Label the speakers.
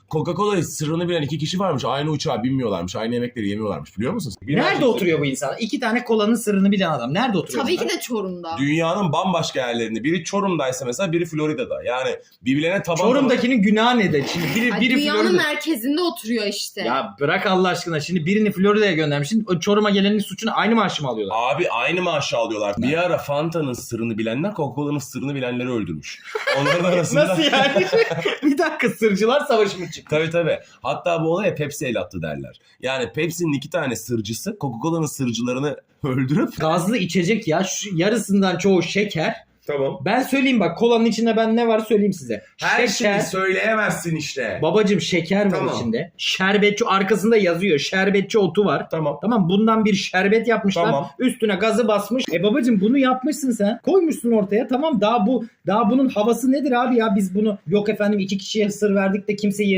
Speaker 1: Coca-Cola'yı sırrını bilen 2 kişi varmış. Aynı uçağa binmiyorlarmış. Aynı yemekleri yemiyorlarmış. Biliyor musunuz?
Speaker 2: Nerede oturuyor bu insan? 2 tane kolanın sırrını bilen adam. Nerede oturuyor?
Speaker 3: Tabii
Speaker 2: bunlar?
Speaker 3: ki de Çorum'da.
Speaker 1: Dünyanın bambaşka yerlerinde. Biri Çorum'daysa mesela, biri Florida'da. Yani birbirlerine taban
Speaker 2: Çorum'dakinin günahı nedir? Şimdi biri
Speaker 3: Dünyanın
Speaker 2: Florida.
Speaker 3: merkezinde oturuyor işte.
Speaker 2: Ya bırak Allah aşkına. Şimdi birini Florida'ya göndermişsin. O Çorum'a gelenin suçunu aynı maaşı mı alıyorlar?
Speaker 1: Abi aynı maaşı alıyorlar. Bir ara Fanta'nın sırrını bilenler Coca-Cola'nın sırrını bilenleri öldürmüş. Onların arasında...
Speaker 2: Nasıl yani? Bir dakika, sırcılar savaşı mı çıktı?
Speaker 1: Tabii. Hatta bu olaya Pepsi el attı derler. Yani Pepsi'nin 2 tane sırcısı Coca-Cola'nın sırcılarını öldürüp...
Speaker 2: Gazlı içecek ya. Şu yarısından çoğu şeker.
Speaker 1: Tamam.
Speaker 2: Ben söyleyeyim bak, kolanın içinde ben ne var söyleyeyim size.
Speaker 1: Her
Speaker 2: şeker.
Speaker 1: şeyi söyleyemezsin işte.
Speaker 2: Babacım şeker var
Speaker 1: Tamam.
Speaker 2: içinde. Şerbetçi arkasında yazıyor. Şerbetçi otu var.
Speaker 1: Tamam.
Speaker 2: Tamam, bundan bir şerbet yapmışlar.
Speaker 1: Tamam.
Speaker 2: Üstüne gazı basmış. Babacım bunu yapmışsın sen. Koymuşsun ortaya. Tamam, daha bunun havası nedir abi ya? Biz bunu yok efendim 2 kişiye sır verdik de kimse